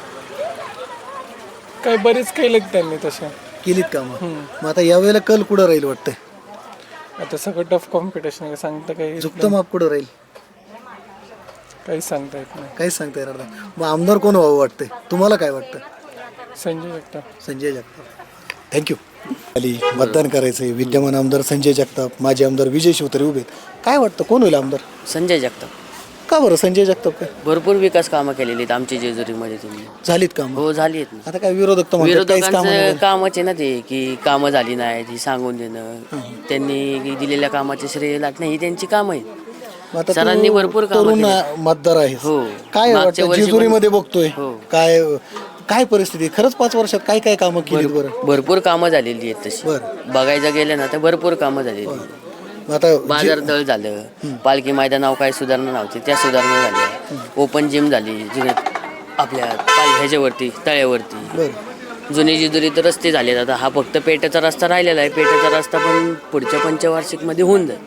Speaker 6: काय बरेच केलेत त्यांनी तसे.
Speaker 2: केलीत कामं मग आता यावेळेला कल कुठं राहील वाटतंय?
Speaker 6: आता सगळं टफ कॉम्पिटिशन सांगता काही
Speaker 2: झुकतं माप कुठं राहील
Speaker 6: काही सांगता येत नाही.
Speaker 2: काहीच सांगता येणार नाही. मग आमदार कोण व्हावं वाटतंय तुम्हाला काय वाटतं?
Speaker 6: संजय जगताप.
Speaker 2: संजय जगताप थँक्यू. खाली मतदान करायचंय विद्यमान आमदार संजय जगताप माजी आमदार विजय शिवतारे उभे आहेत काय वाटतं कोण होईल आमदार?
Speaker 11: संजय जगताप.
Speaker 2: का बरं संजय जगताप काय
Speaker 11: भरपूर विकास कामं केलेली आहेत आमची जेजुरीमध्ये तुम्ही.
Speaker 2: झालीत कामं?
Speaker 11: हो झाली आहेत ना.
Speaker 2: आता काय विरोधक तर म्हणतात काहीच कामं
Speaker 11: विरोधकांचं
Speaker 2: नाही.
Speaker 11: कामच आहे ना ते की कामं झाली नाहीत ही सांगून देणं त्यांनी दिलेल्या कामाचे श्रेय लागणं ही त्यांची कामं आहेत.
Speaker 2: मग आता
Speaker 11: सरांनी
Speaker 2: तू
Speaker 11: भरपूर कामं
Speaker 2: तरुण
Speaker 11: केली.
Speaker 2: मतदार आहे
Speaker 11: हो.
Speaker 2: काय
Speaker 11: मागच्या
Speaker 2: वाटतं
Speaker 11: वर्षी पण-
Speaker 2: जेजुरीमध्ये बघतोय
Speaker 11: हो.
Speaker 2: काय काय परिस्थिती खरंच पाच वर्षात काय काय कामं केलीत बरं?
Speaker 11: भरपूर कामं झालेली आहेत तशी
Speaker 2: बरं.
Speaker 11: बघायचं गेलं ना तर भरपूर कामं झालेली आहेत.
Speaker 2: मग आता
Speaker 11: बाजार तळ झालं पालखी मैदानावर काही सुधारणा नव्हती त्या सुधारणा झाल्या ओपन जिम झाली जुन्या आपल्या पाल ह्याच्यावरती तळ्यावरती
Speaker 2: बरं
Speaker 13: जुने जेजुरीत रस्ते झालेत. आता हा फक्त पेट्याचा रस्ता राहिलेला आहे. पेट्याचा रस्ता पण पुढच्या पंचवार्षिकमध्ये होऊन जाईल.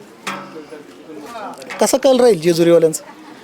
Speaker 2: कसा कल राहील जेजुरीवाल्यांचा?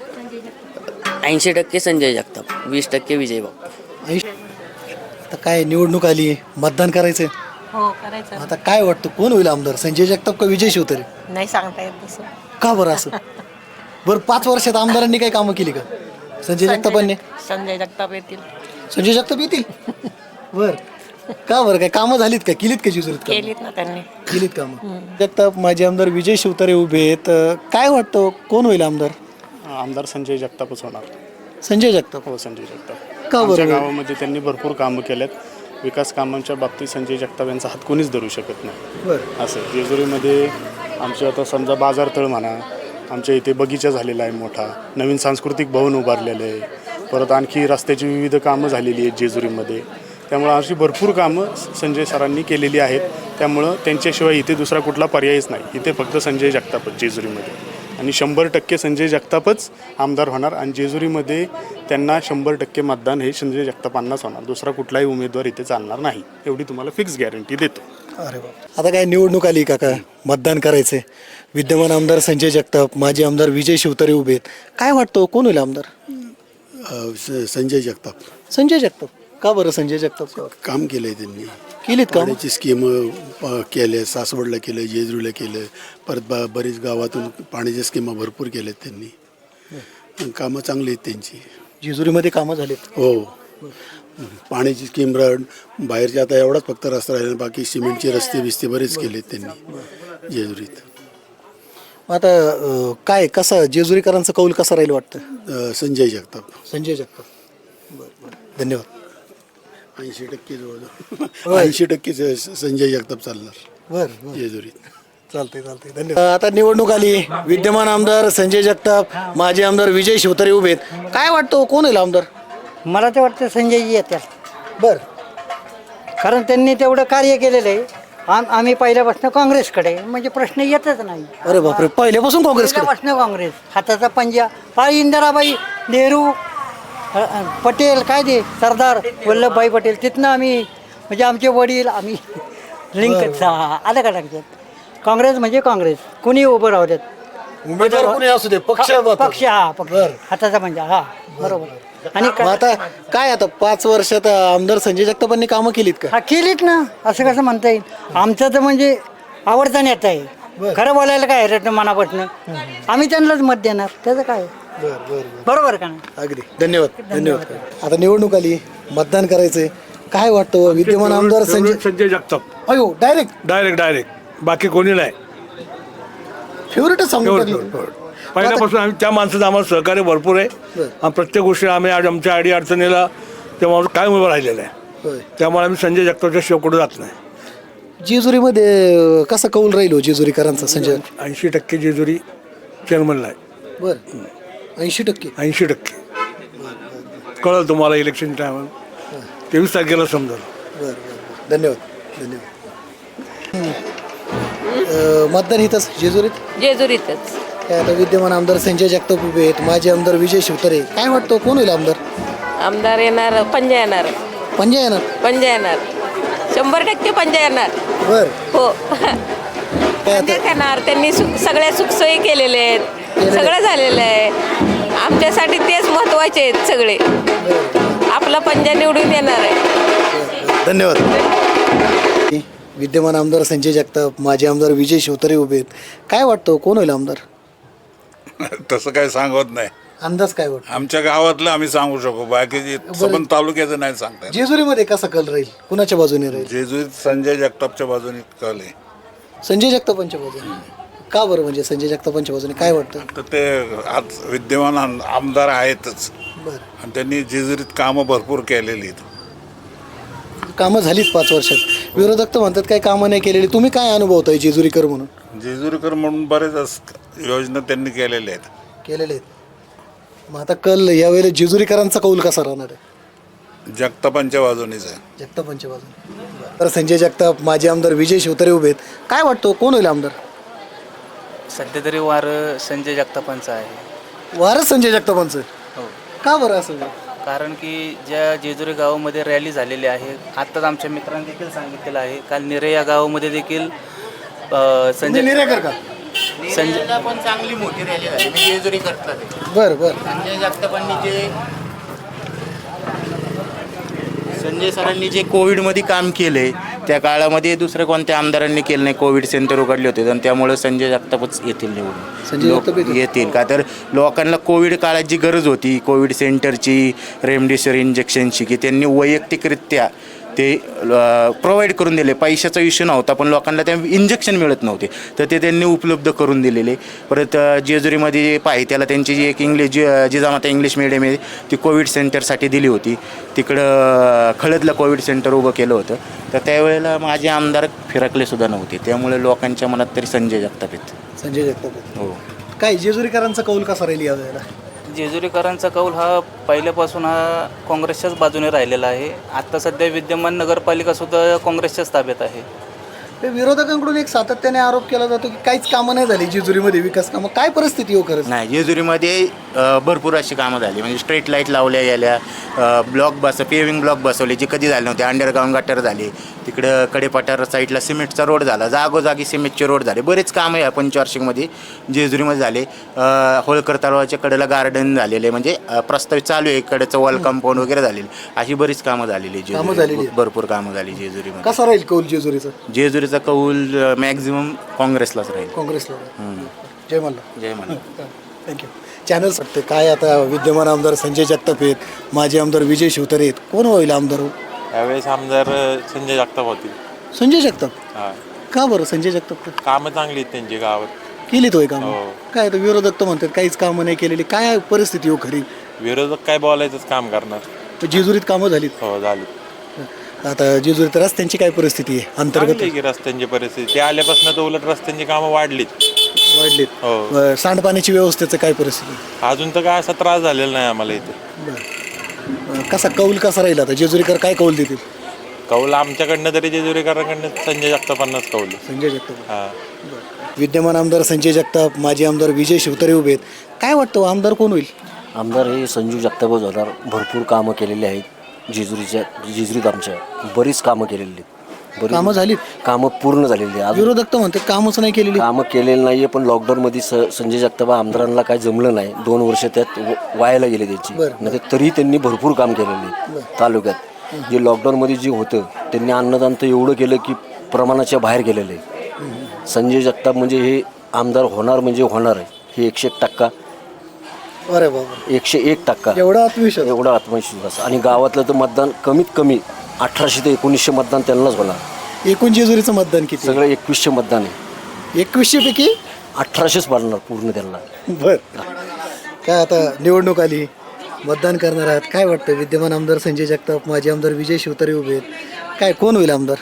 Speaker 13: ऐंशी टक्के संजय जगताप, वीस टक्के विजय बापू.
Speaker 2: आता काय निवडणूक आली, मतदान करायचं
Speaker 14: हो करायचं.
Speaker 2: आता काय वाटतं कोण होईल आमदार, संजय जगताप का विजय शिवतारे?
Speaker 14: नाही सांगता येत तसं.
Speaker 2: का बरं असं? बरं पाच वर्षात आमदारांनी काही कामं केली का संजय जगतापांनी?
Speaker 14: संजय जगताप येतील.
Speaker 2: संजय जगताप येतील. बर का बरं काय कामं झालीत का, केलीत का जेजुरीत कामं?
Speaker 14: केलीत ना त्यांनी.
Speaker 2: केलीत कामं. जगताप माजी आमदार विजय शिवतारे उभे आहेत. काय वाटतं कोण होईल आमदार?
Speaker 9: आमदार संजय जगतापच होणार.
Speaker 2: संजय जगताप.
Speaker 9: हो संजय जगताप.
Speaker 2: का
Speaker 9: आमच्या
Speaker 2: बरं?
Speaker 9: गावामध्ये त्यांनी भरपूर कामं केलेत. विकास कामांच्या बाबतीत संजय जगताप यांचा हात कोणीच धरू शकत नाही.
Speaker 2: बरं.
Speaker 9: असं जेजुरीमध्ये आमचे आता समजा बाजारतळ म्हणा, आमच्या इथे बगीचा झालेला आहे मोठा, नवीन सांस्कृतिक भवन उभारलेलं आहे, परत आणखी रस्त्याची विविध कामं झालेली आहेत जेजुरीमध्ये. त्यामुळं अशी भरपूर कामं संजय सरांनी केलेली आहेत. त्यामुळं त्यांच्याशिवाय इथे दुसरा कुठला पर्यायच नाही. इथे फक्त संजय जगतापच जेजुरीमध्ये, आणि शंभर टक्के संजय जगतापच आमदार होणार. आणि जेजुरीमध्ये त्यांना शंभर टक्के मतदान हे संजय जगतापांनाच होणार. दुसरा कुठलाही उमेदवार इथे चालणार नाही, एवढी तुम्हाला फिक्स गॅरंटी देतो.
Speaker 2: अरे बाप. आता काय निवडणूक आली काका, मतदान करायचंय. विद्यमान आमदार संजय जगताप, माजी आमदार विजय शिवतारे उभे आहेत. काय वाटतं कोण होईल आमदार?
Speaker 15: संजय जगताप.
Speaker 2: संजय जगताप. का बरं संजय जगताप?
Speaker 15: काम केलं आहे त्यांनी.
Speaker 2: केलीत का?
Speaker 15: पाण्याची स्कीम केले, सासवडला केलं, जेजुरीला केलं, परत बा बरीच गावातून पाण्याच्या स्कीमा भरपूर केल्यात त्यांनी. कामं चांगली आहेत त्यांची.
Speaker 2: जेजुरीमध्ये कामं झालीत.
Speaker 15: हो. पाण्याची स्कीम बाहेरचे आता एवढाच फक्त रस्ता राहिला, बाकी सिमेंटचे रस्ते बिस्ते बरेच केलेत त्यांनी जेजुरीत.
Speaker 2: आता अं, काय कसा जेजुरीकरांचा कौल कसा राहील वाटतं?
Speaker 15: अं, संजय जगताप.
Speaker 2: संजय जगताप. बरं बरं धन्यवाद.
Speaker 15: ऐंशी टक्के जवळ ऐंशी टक्के संजय जगताप चालणार
Speaker 2: बरं
Speaker 15: जेजुरीत.
Speaker 2: चालतंय चालतंय धन्यवाद. आता निवडणूक आली, विद्यमान आमदार संजय जगताप, माजी आमदार विजय शिवतारे उभे आहेत. काय वाटतं कोण होईल आमदार?
Speaker 6: मला तर वाटतं संजयजी येतात.
Speaker 2: बर.
Speaker 6: कारण त्यांनी तेवढं कार्य केलेलं आहे. आम आम्ही पहिल्यापासून काँग्रेसकडे, म्हणजे प्रश्न येतच नाही.
Speaker 2: अरे बापरे, पहिल्यापासून काँग्रेस?
Speaker 6: पहिल्यापासून काँग्रेस. हाताचा पंजा पाळी इंदिराबाई, नेहरू, अ, अ, पटेल, काय ते सरदार वल्लभभाई पटेल, तिथनं आम्ही म्हणजे आमचे वडील आम्ही लिंक आलं का लक्षात. काँग्रेस म्हणजे काँग्रेस, कुणी उभं राहू देत.
Speaker 2: उमेदवार कोणी असू दे, पक्ष
Speaker 6: पक्ष हा पक्ष हाताचा पंजा हा बरोबर. आणि
Speaker 2: मग आता काय आता पाच वर्षात आमदार संजय जगतापांनी कामं केलीत का?
Speaker 6: हा केलीत ना, असं कसं म्हणता येईल. आमचं तर म्हणजे आवडता नेता आहे. खरं बोलायला काय रे मनापासून, आम्ही त्यांनाच मत देणार, त्याचं काय. बरोबर का ना?
Speaker 2: अगदी धन्यवाद धन्यवाद. आता निवडणूक आली, मतदान करायचंय. काय वाटतं विद्यमान आमदार संजय
Speaker 16: संजय जगताप?
Speaker 2: अयो डायरेक्ट
Speaker 16: डायरेक्ट डायरेक्ट बाकी कोणी नाही.
Speaker 2: फेवरेटच सांगू
Speaker 16: पहिल्यापासून आम्ही त्या माणसाचं आम्हाला सहकार्य भरपूर आहे. आणि प्रत्येक गोष्टी आम्ही आज आमच्या अडी अडचणीला तेव्हा काय उभं राहिलेलं आहे. त्यामुळे आम्ही संजय जगतापच्या शेवकडे जात नाही.
Speaker 2: जेजुरीमध्ये कसा कौल राहील जेजुरीकरांचा? संजय
Speaker 16: ऐंशी टक्के जेजुरी चेअरमनला आहे.
Speaker 2: बर ऐंशी टक्के
Speaker 16: ऐंशी टक्के कळलं तुम्हाला इलेक्शन टायमाला तेवीस तारखेला समजा.
Speaker 2: बरं बरं धन्यवाद धन्यवाद. मतदान इथंच जेजुरीत?
Speaker 14: जेजुरीतच.
Speaker 2: काय आता विद्यमान आमदार संजय जगताप उभे आहेत, माजी आमदार विजय शिवतारे. काय वाटतं कोण होईल आमदार?
Speaker 14: आमदार येणार पंजा येणार.
Speaker 2: पंजा येणार?
Speaker 14: पंजा येणार, शंभर टक्के पंजा येणार.
Speaker 2: बर
Speaker 14: हो पंजाच येणार. त्यांनी सुख सगळ्या सुखसोयी केलेल्या आहेत, सगळं झालेलं आहे. आमच्यासाठी तेच महत्वाचे आहेत सगळे. आपला पंजा निवडून येणार आहे.
Speaker 2: धन्यवाद. विद्यमान आमदार संजय जगताप, माजी आमदार विजय शिवतारे उभे आहेत. काय वाटतं कोण होईल आमदार?
Speaker 17: तसं काय सांगत नाही.
Speaker 2: अंदाज काय वाटतं?
Speaker 17: आमच्या गावातलं आम्ही सांगू शकू, बाकी सबंध तालुक्याचं नाही सांगता येत.
Speaker 2: जेजुरीमध्ये कसा कल राहील, कुणाच्या बाजूने राहील?
Speaker 17: जेजुरीत संजय जगतापच्या बाजूने कल आहे.
Speaker 2: संजय जगतापांच्या बाजूने. का बरं, म्हणजे संजय जगतापांच्या बाजूने काय वाटतं?
Speaker 17: तर ते आज विद्यमान आम- आमदार आहेतच.
Speaker 2: बरं.
Speaker 17: आणि त्यांनी जेजुरीत कामं भरपूर केलेली आहेत.
Speaker 2: कामं झालीच पाच वर्षात. विरोधक तर म्हणतात काही कामं नाही केलेली. तुम्ही काय अनुभवताय जेजुरीकर म्हणून?
Speaker 17: जेजुरीकर म्हणून बरेच अस- योजना त्यांनी केलेल्या आहेत.
Speaker 2: केलेले आहेत. मग आता कल यावेळेला जेजुरीकरांचा कौल कसा राहणार आहे?
Speaker 17: जगतापांच्या बाजूनेच आहे.
Speaker 2: जगतापांच्या बाजूने. तर संजय जगताप, माजी आमदार विजय शिवतारे उभे आहेत. काय वाटतं कोण होईल आमदार?
Speaker 8: सध्या तरी वार संजय जगतापांचं आहे.
Speaker 2: वारच संजय जगतापांचं?
Speaker 8: हो.
Speaker 2: का बरं असं?
Speaker 8: कारण की ज्या जेजुरी गावामध्ये रॅली झालेली आहे आत्ताच आमच्या मित्रांनी देखील सांगितलेलं आहे काल निरे या गावामध्ये देखील अ, संजय
Speaker 2: निरेकर का
Speaker 8: संजय
Speaker 18: पण चांगली मोठी रॅली झाली मी जेजुरी करतात
Speaker 2: बरं बरं
Speaker 18: संजय जगतापांनी जे संजय सरांनी जे कोविडमध्ये काम केले त्या काळामध्ये दुसऱ्या कोणत्या आमदारांनी केलं नाही. कोविड सेंटर उघडले होते आणि त्यामुळे संजय जगतापच येतील निवडून
Speaker 2: संजय
Speaker 18: लोक
Speaker 2: जगताप येतील.
Speaker 18: येतील का तर लोकांना कोविड काळात जी गरज होती कोविड सेंटरची रेमडेसिवीर इंजेक्शनची की त्यांनी वैयक्तिकरित्या ते प्रोव्हाइड करून दिले. पैशाचा इश्यू नव्हता पण लोकांना त्या इंजेक्शन मिळत नव्हते तर ते त्यांनी उपलब्ध करून दिलेले. परत अ, जेजुरीमध्ये पाहित्याला त्यांची जी एक इंग्लिश जी जिजामाता इंग्लिश मिडियम आहे ती कोविड सेंटरसाठी दिली होती. तिकडं खळदला कोविड सेंटर उभं केलं होतं तर त्यावेळेला माझे आमदार फिरकले सुद्धा नव्हते त्यामुळे लोकांच्या मनात तरी संजय जगताप आहेत.
Speaker 2: संजय जगताप
Speaker 18: हो
Speaker 2: काय जेजुरीकरांचा कौल कसा राहील यावेळेला
Speaker 8: जेजुरीकरांचा कौल हा पहिल्यापासून हा काँग्रेसच्याच बाजूने राहिलेला आहे. आत्ता सध्या विद्यमान नगरपालिकासुद्धा काँग्रेसच्याच ताब्यात आहे.
Speaker 2: ते विरोधकांकडून एक सातत्याने आरोप केला जातो की काहीच कामं नाही झाली जेजुरीमध्ये विकास कामं काय परिस्थिती हो खरंच
Speaker 18: नाही जेजुरीमध्ये अ, भरपूर अशी कामं झाली म्हणजे स्ट्रीट लाईट लावल्या गेल्या ब्लॉक बस पेविंग ब्लॉक बसवले जे कधी झाले नव्हते. अंडरग्राऊंड गटर झाले तिकडं कडेपठार साईडला सिमेंटचा रोड झाला जागोजागी सिमेंटचे रोड झाले बरेच कामं या पंचवार्षिकमध्ये जेजुरीमध्ये झाले. अ, होळकर तलावाच्या कडेला गार्डन झालेले म्हणजे अ, प्रस्तावित चालू आहे कडेचं वॉल कंपाऊंड वगैरे झालेली अशी बरीच कामं झालेली
Speaker 2: कामं झालेली
Speaker 18: जेजुरी
Speaker 2: आहेत.
Speaker 18: भरपूर कामं झाली जेजुरीमध्ये.
Speaker 2: कसा राहील कौल जेजुरीचा
Speaker 18: जेजुरीचा कौल मॅक्झिमम काँग्रेसलाच राहील.
Speaker 2: काँग्रेसला
Speaker 18: हम्म.
Speaker 2: जय मल्हार
Speaker 18: जय मला
Speaker 2: थँक्यू चॅनल सांगते काय आता विद्यमान आमदार संजय जगताप आहेत माजी आमदार विजय शिवतारे आहेत कोण होईल आमदार हो?
Speaker 19: यावेळेस आमदार संजय जगताप होतील.
Speaker 2: संजय जगताप
Speaker 19: हा
Speaker 2: का बरं संजय जगताप का
Speaker 19: कामं चांगली आहेत त्यांची गावात.
Speaker 2: केलीत होय काम
Speaker 19: हो.
Speaker 2: काय तर विरोधक तर म्हणतात काहीच कामं नाही केलेली काय परिस्थिती हो खरी
Speaker 19: विरोधक काय बोलायचंच काम करणार.
Speaker 2: तर जेजुरीत कामं झालीत
Speaker 19: हो झाली.
Speaker 2: आता जेजुरीत रस्त्यांची काय परिस्थिती आहे अंतर्गत
Speaker 19: चांगली आहे की रस्त्यांची परिस्थिती ते आल्यापासून तर उलट रस्त्यांची कामं वाढलीत.
Speaker 2: वाढलीत
Speaker 19: हो
Speaker 2: अं, सांडपाण्याची व्यवस्थेचं काय परिस्थिती
Speaker 19: अजून तर काय असा त्रास झालेला नाही आम्हाला इथे.
Speaker 2: अं, कसा कौल कसा राहील आता जेजुरीकर काय कौल देतील
Speaker 19: कौल आमच्याकडनं तरी जेजुरीकरांकडनं संजय जगतापांनाच कौल.
Speaker 2: संजय जगताप
Speaker 19: हा
Speaker 2: विद्यमान आमदार संजय जगताप माजी आमदार विजय शिवतारे उभे आहेत काय वाटतं आमदार कोण होईल
Speaker 20: आमदार हे संजू जगतापच होणार. भरपूर कामं केलेली आहेत जेजुरीच्या जेजुरीत आमच्या बरीच कामं केलेली आहेत. बरीच
Speaker 2: कामं झालीत
Speaker 20: कामं पूर्ण झालेली आहेत. अजून
Speaker 2: विरोधक तर म्हणतात कामच नाही केलेली
Speaker 20: कामं केलेलं नाही आहे पण लॉकडाऊनमध्ये स संजय जगताप आमदारांना काय जमलं नाही दोन वर्ष त्यात व- वायाला गेले त्यांची
Speaker 2: बरं.
Speaker 20: नाही तरी त्यांनी भरपूर काम केलेलं आहे तालुक्यात. जे लॉकडाऊनमध्ये जे होतं त्यांनी अन्नदान तर एवढं केलं की प्रमाणाच्या बाहेर गेलेलं आहे. संजय जगताप म्हणजे हे आमदार होणार म्हणजे होणार आहे हे एकशे एक टक्का
Speaker 2: अरे बाबा
Speaker 20: एकशे एक टक्का
Speaker 2: एवढा आत्मविश्वास
Speaker 20: एवढा आत्मविश्वास. आणि गावातलं तर मतदान कमीत कमी अठराशे ते एकोणीसशे मतदान त्यांनाच होणार.
Speaker 2: एकूण जेजुरीचं मतदान किती
Speaker 20: सगळं एकवीसशे मतदान आहे.
Speaker 2: एकवीसशे पैकी
Speaker 20: अठराशेच पडणार पूर्ण त्यांना.
Speaker 2: बर काय आता निवडणूक आली मतदान करणार आहात काय वाटतं विद्यमान आमदार संजय जगताप माजी आमदार विजय शिवतारे उभे आहेत काय कोण होईल आमदार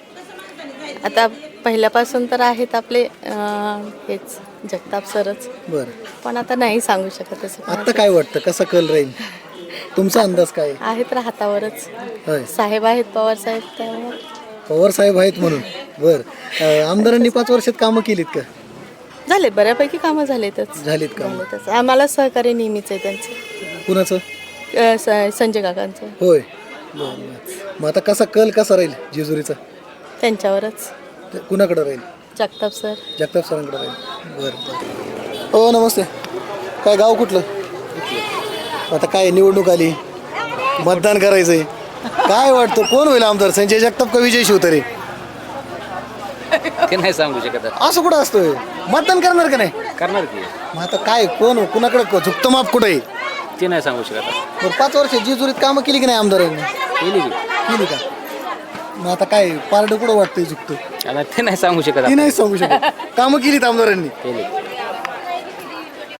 Speaker 21: आता पहिल्यापासून तर आहेत आपले अं, हेच जगताप सरच
Speaker 2: बरं
Speaker 21: पण आता नाही सांगू शकत असं
Speaker 2: आत्ता काय वाटतं कसा कल राहील तुमचा अंदाज काय आहे?
Speaker 21: आहेत तर हातावरच
Speaker 2: होय
Speaker 21: साहेब आहेत पवार साहेब त्यामुळे
Speaker 2: पवार साहेब आहेत म्हणून बर अं, आमदारांनी पाच वर्षात कामं केलीत का
Speaker 21: झाले बऱ्यापैकी कामं झालेतच
Speaker 2: झालीत कामं
Speaker 21: झालेतच आम्हाला सहकार्य नेहमीच आहे त्यांचं
Speaker 2: कुणाचं
Speaker 21: अं, स- संजय काकांचं
Speaker 2: होय बरं बरं मग आता कसा कल कसा राहील जेजुरीचा
Speaker 21: त्यांच्यावरच
Speaker 2: ते कुणाकडे राहील
Speaker 21: जगताप सर
Speaker 2: जगताप सरांकडे राहील बरं बरं हो नमस्ते काय गाव कुठलं आता काय निवडणूक आली मतदान करायचंय काय वाटतं कोण होईल आमदार संजय जगताप का विजय शिवतारे
Speaker 8: ते नाही सांगू शकत
Speaker 2: असं कुठं असतोय मतदान करणार का नाही
Speaker 8: करणार की
Speaker 2: मग आता काय कोण कुणाकडे झुकतं माप कुठं आहे
Speaker 8: ते नाही सांगू शकत
Speaker 2: बरं पाच वर्ष जेजुरीत कामं केली की नाही आमदारांनी
Speaker 8: केली
Speaker 2: केली का मग आता काय पारडं कुठं वाटतंय झुकतं
Speaker 8: आता ते नाही सांगू शकत
Speaker 2: ती नाही सांगू शकत कामं केलीत आमदारांनी
Speaker 8: केली